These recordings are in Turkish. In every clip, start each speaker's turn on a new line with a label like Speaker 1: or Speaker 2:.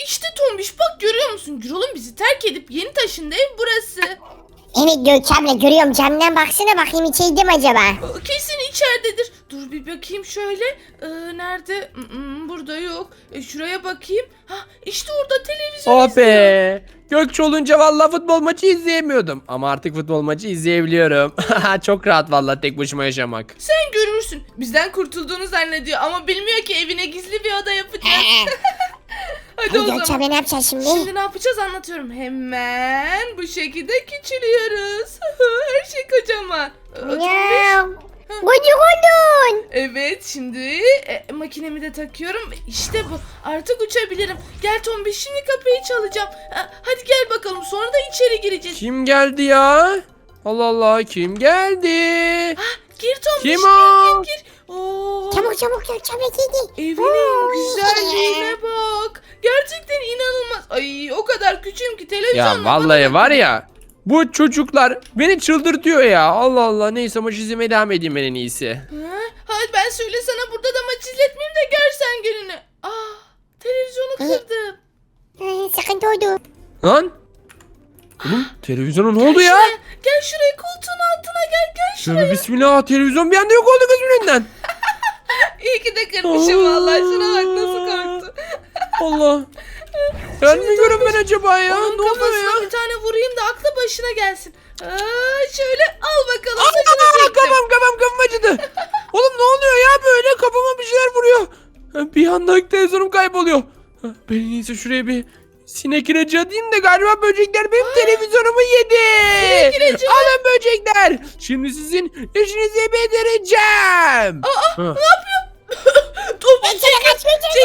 Speaker 1: İşte Tombiş bak görüyor musun? Gürol'un bizi terk edip yeni taşındığı ev burası.
Speaker 2: Evet Gökçe abla görüyorum, camdan baksana bakayım içeydim acaba.
Speaker 1: Kesin içeridedir. Dur bir bakayım şöyle. Nerede? Burada yok. Şuraya bakayım. Ha işte orada televizyon
Speaker 3: Oh
Speaker 1: izliyor.
Speaker 3: be. Gökçe olunca vallahi futbol maçı izleyemiyordum. Ama artık futbol maçı izleyebiliyorum. Çok rahat vallahi tek başıma yaşamak.
Speaker 1: Sen görürsün. Bizden kurtulduğunu zannediyor ama bilmiyor ki evine gizli bir oda yapacağız. Hadi o
Speaker 2: Hadi Gökçe
Speaker 1: zaman.
Speaker 2: abla ne yapacağız şimdi?
Speaker 1: Şimdi ne yapacağız anlatıyorum. Hemen bu şekilde küçülüyoruz. Her şey kocaman.
Speaker 2: Ya. Gıcık oldun.
Speaker 1: Evet şimdi makinemi de takıyorum. İşte bu. Artık uçabilirim. Gel Tombiş şimdi kapıyı çalacağım. Hadi gel bakalım sonra da içeri gireceğiz.
Speaker 3: Kim geldi ya? Allah Allah kim geldi?
Speaker 1: Gir Tombiş
Speaker 3: Kim
Speaker 1: gir
Speaker 3: o?
Speaker 1: gir gir. Oo,
Speaker 2: Çabuk çabuk Gökçe abla gidi.
Speaker 1: evinin güzelliğine bak. Gerçekten inanılmaz. Ay o kadar küçüğüm ki televizyonla
Speaker 3: Ya vallahi var ya. Bu çocuklar beni çıldırtıyor ya. Allah Allah neyse maç izlemeye devam edeyim ben en iyisi.
Speaker 1: Hadi ben söyle sana burada da maç izletmeyeyim de görsen gününü. Televizyonu kırdım.
Speaker 2: Sıkıntı oldu.
Speaker 3: Lan. Oğlum televizyona ne
Speaker 1: Gel
Speaker 3: oldu ya?
Speaker 1: şuraya, gel şuraya koltuğun altına gel şuraya.
Speaker 3: Şöyle bismillah televizyon bir anda yok oldu gözümün önünden.
Speaker 1: İyi ki de kırmışım vallahi şuna bak nasıl korktu.
Speaker 3: Allah. Ben mi görün ben acaba ya?
Speaker 1: Onun
Speaker 3: Ne oluyor
Speaker 1: kafasına
Speaker 3: ya?
Speaker 1: bir tane vurayım da aklı başına gelsin. Şöyle al bakalım
Speaker 3: Aa,
Speaker 1: saçını çektim.
Speaker 3: kafam acıdı. Oğlum ne oluyor ya böyle kafama bir şeyler vuruyor. Bir anda televizyonum kayboluyor. Ben en iyisi şuraya bir sinek ilacı atayım da galiba böcekler benim televizyonumu yedi.
Speaker 1: Sinek ilacı mı?
Speaker 3: Alın böcekler. Şimdi sizin işinizi bitireceğim.
Speaker 1: Ne yapıyor? Tomuş çekil.
Speaker 2: Kaç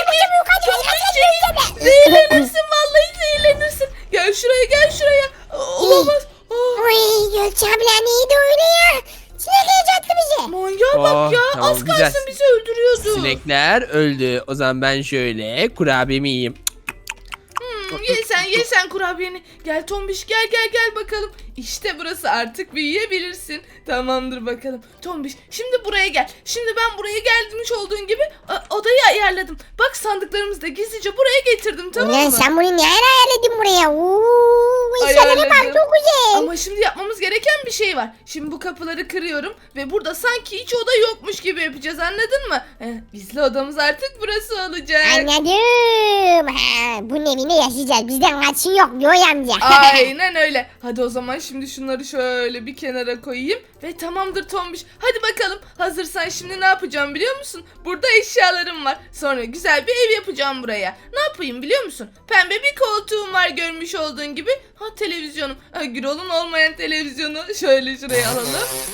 Speaker 1: Çekil. Zehirlenirsin vallahi zehirlenirsin. Gel şuraya. Olamaz.
Speaker 2: Oy Gökçe abla neydi öyle ya? Sinek yacaktı bize.
Speaker 1: Manyağa bak ya.
Speaker 3: Tamam,
Speaker 1: Az
Speaker 3: güzel.
Speaker 1: kalsın bizi öldürüyordu.
Speaker 3: Sinekler öldü. O zaman ben şöyle kurabiyemi yiyeyim.
Speaker 1: Ye sen kurabiyeni. Gel Tombiş gel bakalım. İşte burası artık büyüyebilirsin. Tamamdır bakalım. Tombiş şimdi buraya gel. Şimdi ben buraya gelmiş olduğun gibi odayı ayarladım. Bak sandıklarımızı da gizlice buraya getirdim tamam
Speaker 2: Ulan
Speaker 1: mı?
Speaker 2: sen bunu ne ara ayarladın buraya? Bu işlere bak
Speaker 1: Ayarladım.
Speaker 2: çok güzel.
Speaker 1: Ama şimdi yapmamız gereken bir şey var. Şimdi bu kapıları kırıyorum ve burada sanki hiç oda yokmuş gibi yapacağız anladın mı? Gizli odamız artık burası olacak.
Speaker 2: Anladım. Bunun evinde yaşayacağız. Bizden kaçın yok Yoy amca.
Speaker 1: Aynen öyle. Hadi o zaman şimdi şunları şöyle bir kenara koyayım. Ve tamamdır Tombiş. Hadi bakalım. Hazırsan şimdi ne yapacağım biliyor musun? Burada eşyalarım var. Sonra güzel bir ev yapacağım buraya. Ne yapayım biliyor musun? Pembe bir koltuğum var görmüş olduğun gibi. Televizyonum. Gürol'un olmayan televizyonu. Şöyle şuraya alalım.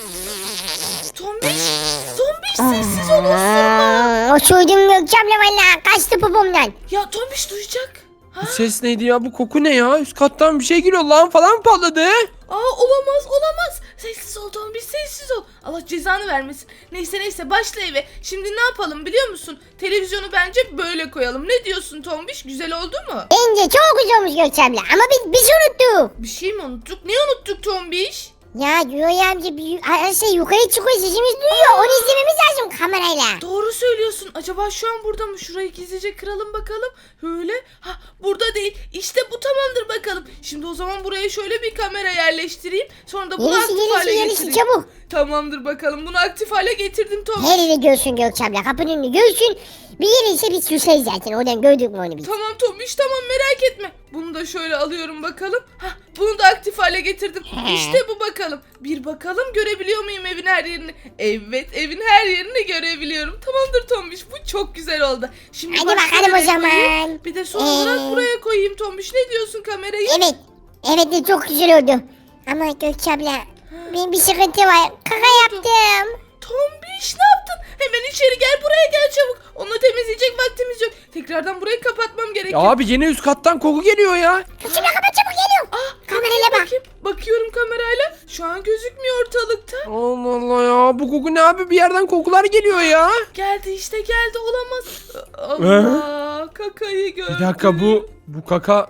Speaker 1: Tombiş sessiz ol osurma.
Speaker 2: Osurdum Gökçe abla valla. Kaçtı popomdan.
Speaker 1: Ya Tombiş duyacak.
Speaker 3: Bu ses neydi ya? Bu koku ne ya? Üst kattan bir şey geliyor. Lan falan mı patladı?
Speaker 1: Olamaz. Sessiz ol Tombiş sessiz ol. Allah cezanı vermesin. Neyse başla eve. Şimdi ne yapalım biliyor musun? Televizyonu bence böyle koyalım. Ne diyorsun Tombiş? Güzel oldu mu?
Speaker 2: Bence çok güzel olmuş Gökçe abla. Ama biz unuttuk.
Speaker 1: Bir şey mi unuttuk? Ne unuttuk Tombiş?
Speaker 2: Ya Yoy amca her şey yukarı çıkıyor, sesimiz duyuyor. Onu izlememiz lazım kamerayla.
Speaker 1: Doğru söylüyorsun. Acaba şu an burada mı? Şurayı gizlice kıralım bakalım. Öyle. Burada değil. İşte bu tamamdır bakalım. Şimdi o zaman buraya şöyle bir kamera yerleştireyim. Sonra da bunu aktif hale
Speaker 2: Gelişi
Speaker 1: getireyim.
Speaker 2: çabuk.
Speaker 1: Tamamdır bakalım. Bunu aktif hale getirdim Tombiş.
Speaker 2: Her yeri görsün Gökçe abla. Kapının önünü görsün. Bir yeri ise biz susayız zaten. Oradan gördük mü onu biz?
Speaker 1: Tamam Tombiş tamam merak etme. Bunu da şöyle alıyorum bakalım. Bunu da aktif hale getirdim. İşte bu bakalım. Bir bakalım görebiliyor muyum evin her yerini? Evet evin her yerini görebiliyorum. Tamamdır Tombiş bu çok güzel oldu. Şimdi
Speaker 2: Hadi
Speaker 1: başka
Speaker 2: bakalım o
Speaker 1: nereye
Speaker 2: zaman.
Speaker 1: koyayım? Bir de son olarak buraya koyayım Tombiş. Ne diyorsun kamerayı?
Speaker 2: Evet. Evet de çok güzel oldu. Ama Gökçe abla benim bir sıkıntı var. Kaka yaptım.
Speaker 1: Tombiş ne yaptın? Hemen içeri gel buraya gel çabuk. Onu temizleyecek vaktimiz yok. Tekrardan burayı kapatmam
Speaker 3: Ya
Speaker 1: gerekiyor.
Speaker 3: abi yine üst kattan koku geliyor ya.
Speaker 2: Gökçe abla kapat çabuk geliyorum. Kamerayla bak.
Speaker 1: Bakayım. Bakıyorum kamerayla. Şu an gözükmüyor ortalıkta.
Speaker 3: Allah Allah ya. Bu koku ne abi? Bir yerden kokular geliyor ya.
Speaker 1: Geldi işte geldi olamaz. Allah kakayı gördüm.
Speaker 3: Bir dakika bu kaka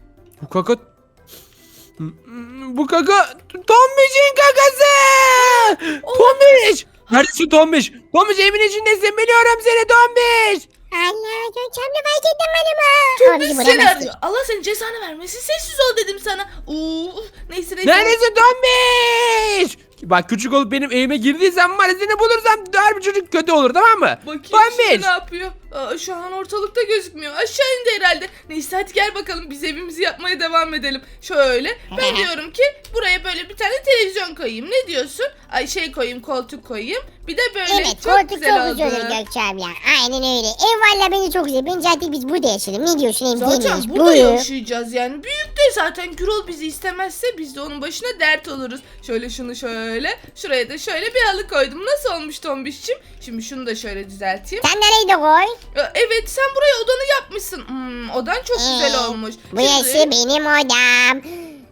Speaker 3: Tombiş'in kakası. Tombiş. Neredesin Tombiş? Tombiş evin içindesin biliyorum seni Tombiş.
Speaker 2: Allah Gökçe abla fark ettim galiba.
Speaker 1: Tombiş seni arıyor. Allah senin cezanı vermesin. Sessiz ol dedim sana. Neyse.
Speaker 3: Neredesin Tombiş? Bak küçük olup benim evime girdiysen var ya seni bulursam her bir çocuk kötü olur tamam mı?
Speaker 1: Bakayım
Speaker 3: Tombiş.
Speaker 1: şimdi ne yapıyor? Şu an ortalıkta gözükmüyor. Aşağı indi herhalde. Neyse hadi gel bakalım biz evimizi yapmaya devam edelim. Şöyle ben diyorum ki buraya böyle bir tane televizyon koyayım. Ne diyorsun? Koyayım, koltuk koyayım. Bir de böyle
Speaker 2: Evet
Speaker 1: çok
Speaker 2: koltuk
Speaker 1: güzel
Speaker 2: çok güzel olur Gökçe abla. Aynen öyle. Ev valla beni çok güzel. Bence artık biz burada yaşayalım. Ne diyorsun ev
Speaker 1: Zaten
Speaker 2: değilmiş.
Speaker 1: burada yaşayacağız yani. Büyük de zaten Gürol bizi istemezse biz de onun başına dert oluruz. Şöyle şunu şöyle. Şuraya da şöyle bir halı koydum. Nasıl olmuş Tombiş'cim? Şimdi şunu da şöyle düzelteyim.
Speaker 2: Sen nereyi de koy?
Speaker 1: Evet sen buraya odanı yapmışsın. Odan çok güzel olmuş.
Speaker 2: Burası benim odam.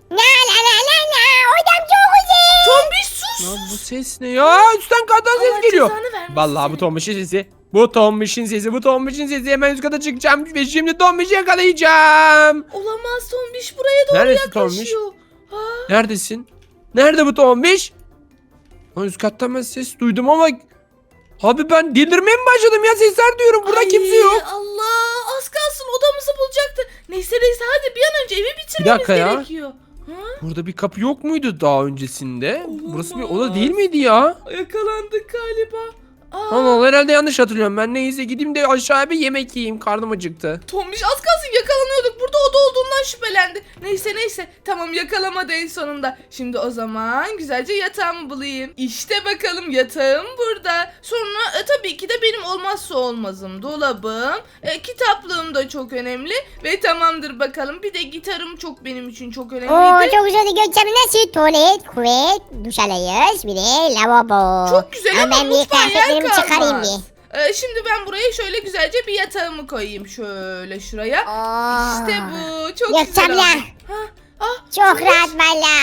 Speaker 2: La. Odam çok güzel.
Speaker 1: Tombiş sus.
Speaker 3: Lan bu ses ne ya? Üstten kattan
Speaker 1: Allah
Speaker 3: ses geliyor.
Speaker 1: cezanı vermesin
Speaker 3: Vallahi bu
Speaker 1: seni.
Speaker 3: Tombiş'in sesi. Bu Tombiş'in sesi. Hemen üst kata çıkacağım ve şimdi Tombiş'i yakalayacağım.
Speaker 1: Olamaz Tombiş buraya doğru
Speaker 3: Neredesin Tombiş?
Speaker 1: yaklaşıyor. Ha,
Speaker 3: Neredesin? Nerede bu Tombiş? Lan üst kattan ben ses duydum ama... Abi ben delirmeye mi başladım ya? Sesler duyuyorum. Burada
Speaker 1: ay,
Speaker 3: kimse yok.
Speaker 1: Allah az kalsın odamızı bulacaktı. Neyse hadi bir an önce evi bitirmemiz
Speaker 3: dakika ya.
Speaker 1: gerekiyor. Ha?
Speaker 3: Burada bir kapı yok muydu daha öncesinde? Burası bir oda
Speaker 1: Olamaz.
Speaker 3: değil miydi ya?
Speaker 1: Yakalandık galiba.
Speaker 3: Allah Allah herhalde yanlış hatırlıyorum. Ben neyse gideyim de aşağıya bir yemek yiyeyim. Karnım acıktı.
Speaker 1: Tombiş az kalsın yakalanıyorduk. Burada oda olduğundan şüphelendi. Neyse. Tamam yakalamadı en sonunda. Şimdi o zaman güzelce yatağımı bulayım. İşte bakalım yatağım burada. Sonra tabii ki de benim olmazsa olmazım dolabım. Kitaplığım da çok önemli. Ve tamamdır bakalım. Bir de gitarım çok benim için çok
Speaker 2: Oo
Speaker 1: önemliydi.
Speaker 2: çok güzel Gökçe abla. Nasıl? Tuvalet, küvet, duş alıyoruz. Bir de lavabo.
Speaker 1: Çok güzel ama
Speaker 2: ben bir
Speaker 1: mutfağa yer
Speaker 2: kıyafetlerimi çıkarayım
Speaker 1: kalmaz.
Speaker 2: bir.
Speaker 1: Şimdi ben buraya şöyle güzelce bir yatağımı koyayım. Şöyle şuraya.
Speaker 2: Oo.
Speaker 1: İşte bu. Çok
Speaker 2: Gökçe
Speaker 1: güzel
Speaker 2: abla.
Speaker 1: oldu.
Speaker 2: Çok rahat valla.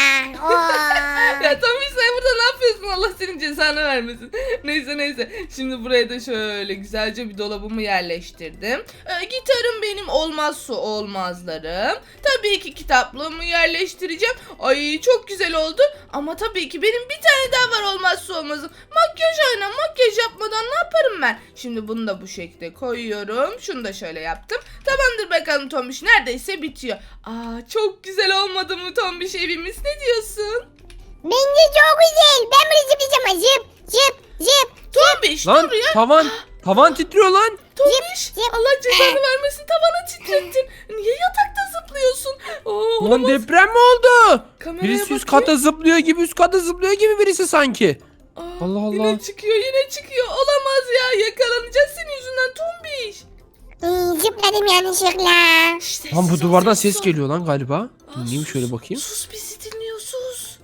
Speaker 1: Ya Tombiş sen burada ne yapıyorsun? Allah senin cezanı vermesin. Neyse. Şimdi buraya da şöyle güzelce bir dolabımı yerleştirdim. Gitarım benim olmazsa olmazlarım. Tabii ki kitaplığımı yerleştireceğim. Ay çok güzel oldu. Ama tabii ki benim bir tane daha var olmazsa olmazım. Makyaj yapmadan ne yaparım ben? Şimdi bunu da bu şekilde koyuyorum. Şunu da şöyle yaptım. Tamamdır bakalım Tombiş. Neredeyse bitiyor. Çok güzel olmadı mı Tombiş evimiz? Ne diyorsun?
Speaker 2: Bence çok güzel. Ben bunu zıplayacağım. Zıp.
Speaker 1: Tombiş
Speaker 3: Lan
Speaker 1: dur ya.
Speaker 3: tavan titriyor lan.
Speaker 1: Tombiş
Speaker 2: zıp.
Speaker 1: Allah cezanı vermesin tavana titrettin. Niye yatakta zıplıyorsun?
Speaker 3: Lan
Speaker 1: Olamaz.
Speaker 3: deprem mi oldu?
Speaker 1: Kameraya
Speaker 3: Birisi üst
Speaker 1: bakayım.
Speaker 3: kata zıplıyor gibi birisi sanki. Allah Allah.
Speaker 1: Yine çıkıyor. Olamaz ya yakalanacağız senin yüzünden Tombiş.
Speaker 2: Zıpladım yanlışlıkla.
Speaker 1: Şşş,
Speaker 3: Lan bu
Speaker 1: sessiz ol,
Speaker 3: duvardan
Speaker 1: sessiz
Speaker 3: ses
Speaker 1: ol.
Speaker 3: geliyor lan galiba. Dinleyeyim
Speaker 1: Sus,
Speaker 3: şöyle bakayım.
Speaker 1: Sus bizi dinliyor sus.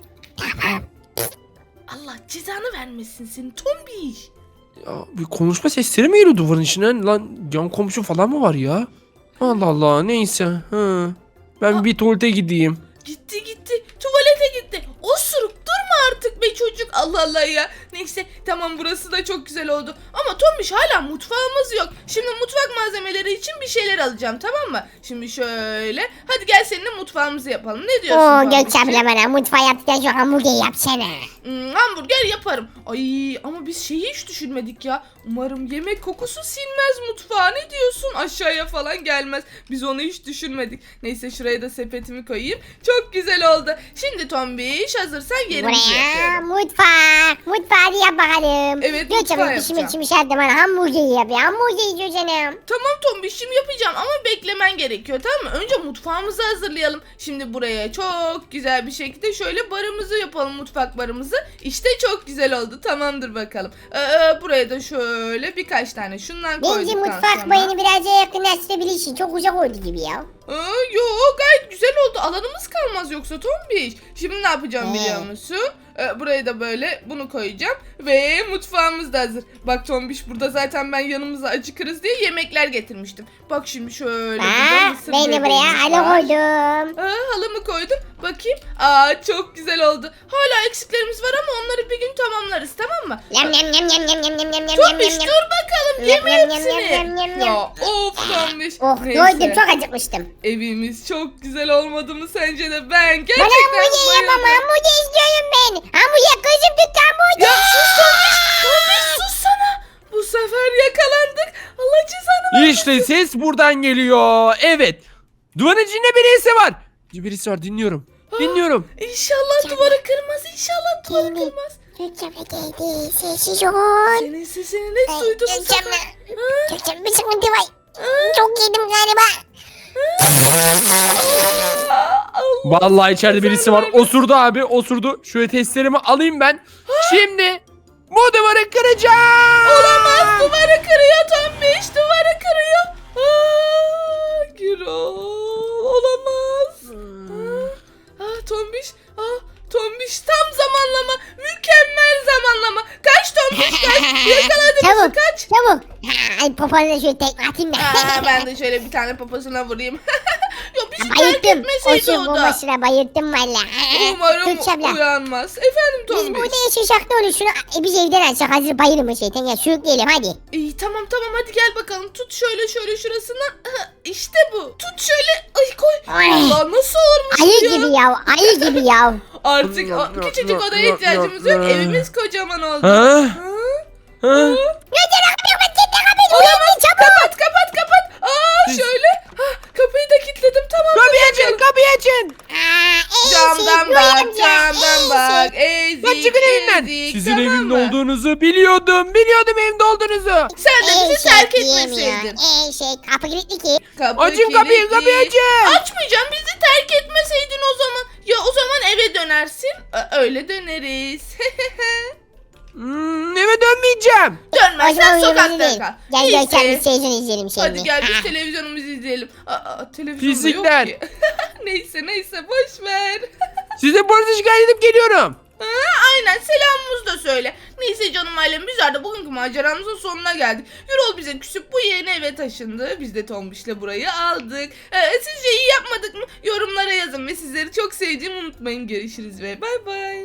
Speaker 1: Allah cezanı vermesin seni Tombiş.
Speaker 3: Ya, bir konuşma sesleri mi geliyor duvarın içinden? Lan yan komşu falan mı var ya? Allah Allah neyse. Ben bir tuvalete gideyim.
Speaker 1: Gitti. Tuvalete gitti. Osuruk durma artık be çocuk. Allah Allah ya. Neyse tamam burası da çok güzel oldu. Ama Tombiş hala mutfağımız yok. Şimdi mutfak malzemeleri için bir şeyler alacağım tamam mı? Şimdi şöyle. Hadi gel seninle mutfağımızı yapalım. Ne diyorsun
Speaker 2: Oo
Speaker 1: Tombiş'ciğim?
Speaker 2: Gökçe abla bana mutfağı yaptıktan sonra hamburger yapsana.
Speaker 1: Hamburger yaparım. Ay ama biz şeyi hiç düşünmedik ya. Umarım yemek kokusu sinmez mutfağa. Ne diyorsun? Aşağıya falan gelmez. Biz onu hiç düşünmedik. Neyse şuraya da sepetimi koyayım. Çok güzel oldu. Şimdi Tombiş hazırsan yerimizi
Speaker 2: Buraya
Speaker 1: yapıyorum.
Speaker 2: mutfağı yap bakalım.
Speaker 1: Evet,
Speaker 2: Gökçe
Speaker 1: mutfağı
Speaker 2: abla pişmek
Speaker 1: yapacağım.
Speaker 2: için bir şey bana hamburger yap ya. Hamburger yiyor canım.
Speaker 1: Tamam Tombiş'im yapacağım ama beklemen gerekiyor tamam mı? Önce mutfağımızı hazırlayalım. Şimdi buraya çok güzel bir şekilde şöyle barımızı yapalım mutfak barımızı. İşte çok güzel oldu tamamdır bakalım. Buraya da şöyle birkaç tane şundan
Speaker 2: Bence
Speaker 1: koyduktan
Speaker 2: mutfak
Speaker 1: sonra.
Speaker 2: bayını biraz yakınlaştırabilirsin. Çok uzak oldu gibi ya.
Speaker 1: Yo gayet güzel oldu. Alanımız kalmaz yoksa Tombiş. Şimdi ne yapacağım biliyor musun? Buraya da böyle bunu koyacağım. Ve mutfağımız da hazır. Bak Tombiş burada zaten ben yanımıza acıkırız diye yemekler getirmiştim. Bak şimdi şöyle. burada mısır
Speaker 2: Ben de buraya
Speaker 1: gevreğimiz
Speaker 2: halı
Speaker 1: var.
Speaker 2: koydum.
Speaker 1: Halımı koydum. Bakayım. Çok güzel oldu. Hala eksiklerimiz var ama onları bir gün tamamlarız tamam mı?
Speaker 2: Yam yam yam yam yam yam yam yam yam
Speaker 1: Tombiş
Speaker 2: yam.
Speaker 1: dur bakalım.
Speaker 2: Yam,
Speaker 1: Yeme
Speaker 2: yam, yam,
Speaker 1: hepsini.
Speaker 2: yam, yam, yam,
Speaker 1: Ya
Speaker 2: yam.
Speaker 1: of Tombiş.
Speaker 2: Oh
Speaker 1: Neyse.
Speaker 2: doydum çok acıkmıştım.
Speaker 1: Evimiz çok güzel olmadı mı sence de? Ben
Speaker 2: Bana
Speaker 1: gerçekten
Speaker 2: hamburger yap ama
Speaker 1: bayıldım.
Speaker 2: hamburger istiyorum ben. Hamburger kızım tut hamburger.
Speaker 1: Ya sus Tombiş. Tombiş sus sana. Bu Bu sefer yakalandık. Allah cezanı versin.
Speaker 3: İşte ses buradan geliyor. Evet. Duvarın içinde birisi var. Birisi var, dinliyorum. Dinliyorum.
Speaker 1: İnşallah duvarı kırmaz. İnşallah duvarı
Speaker 2: Geldi.
Speaker 1: kırmaz.
Speaker 2: Gökçe abla geldi. Sessiz ol.
Speaker 1: Senin sesini ne duydum bu
Speaker 2: Gökçe
Speaker 1: sefer?
Speaker 2: abla. Gökçe abla bir sıkıntı var. Çok yedim galiba.
Speaker 1: Allah.
Speaker 3: Vallahi içeride birisi var. Osurdu abi, osurdu. Şöyle testlerimi alayım ben. Şimdi bu duvarı kıracağım.
Speaker 1: Olamaz, duvarı kırıyor Tombiş, duvarı kırıyor. Gürol, olamaz. Tombiş, Tombiş tam zamanlama, mükemmel zamanlama. Kaç Tombiş kaç, yakaladı bizi
Speaker 2: Çabuk.
Speaker 1: kaç.
Speaker 2: Çabuk. Ay popona şöyle tekme atayım da.
Speaker 1: Ben de şöyle bir tane poposuna vurayım. Ya bizi terk
Speaker 2: Bayılttım.
Speaker 1: etmeseydi
Speaker 2: Koşun
Speaker 1: o da.
Speaker 2: bombasına bayılttım valla.
Speaker 1: Umarım
Speaker 2: Gökçe abla.
Speaker 1: uyanmaz. Efendim
Speaker 2: Biz
Speaker 1: Tombiş.
Speaker 2: burada yaşasak ne olur şunu biz evden açsak hazır bayılmış şeytan ya sürükleyelim hadi.
Speaker 1: İyi tamam hadi gel bakalım. Tut şöyle şurasına. İşte bu. Tut şöyle. Ay koy.
Speaker 2: Ay.
Speaker 1: Allah nasıl olmuş
Speaker 2: Ayı
Speaker 1: ya?
Speaker 2: gibi ya ayı gibi ya.
Speaker 1: Artık küçücük odaya ihtiyacımız yok. Evimiz kocaman oldu.
Speaker 3: Ha?
Speaker 1: Ha?
Speaker 3: Ha?
Speaker 2: Gökçe kapıyı kapat git kapıyı uyandı çabuk.
Speaker 1: Kapat. Şöyle. Kapıyı da kilitledim. Tamam.
Speaker 3: Kapıyı açın, kapıyı açın.
Speaker 1: Camdan bak. Ezik.
Speaker 3: Lan çıkın evimden.
Speaker 1: ezik,
Speaker 3: Sizin
Speaker 1: tamam
Speaker 3: evimde
Speaker 1: mı?
Speaker 3: olduğunuzu biliyordum. Biliyordum evimde olduğunuzu.
Speaker 1: Sen de bizi terk etmeseydin.
Speaker 2: Kapı kilitli ki.
Speaker 1: Kapı
Speaker 3: Açın kapıyı,
Speaker 1: kilitli.
Speaker 3: kapıyı açın.
Speaker 1: Açmayacağım, bizi terk etmeseydin o zaman. Ya o zaman eve dönersin. Öyle döneriz.
Speaker 3: Eve dönmeyeceğim.
Speaker 2: O zaman
Speaker 1: Dönmezsen
Speaker 2: uyuyoruz
Speaker 1: sokakta
Speaker 2: değil.
Speaker 1: kal.
Speaker 2: Gel
Speaker 1: Neyse.
Speaker 2: Gökçe abi televizyon izleyelim şimdi.
Speaker 1: Hadi gel biz televizyonumuzu izleyelim. Televizyonda
Speaker 3: Pislikler.
Speaker 1: yok ki. neyse boş ver.
Speaker 3: Size polise şikayet edip geliyorum.
Speaker 1: Aynen, selamımızı da söyle. Neyse canım ailem, bizler de bugünkü maceramızın sonuna geldik. Yürol bize küsüp bu yeni eve taşındı. Biz de Tombiş'le burayı aldık. Sizce iyi yapmadık mı? Yorumlara yazın ve sizleri çok sevdiğimi unutmayın. Görüşürüz ve bay bay.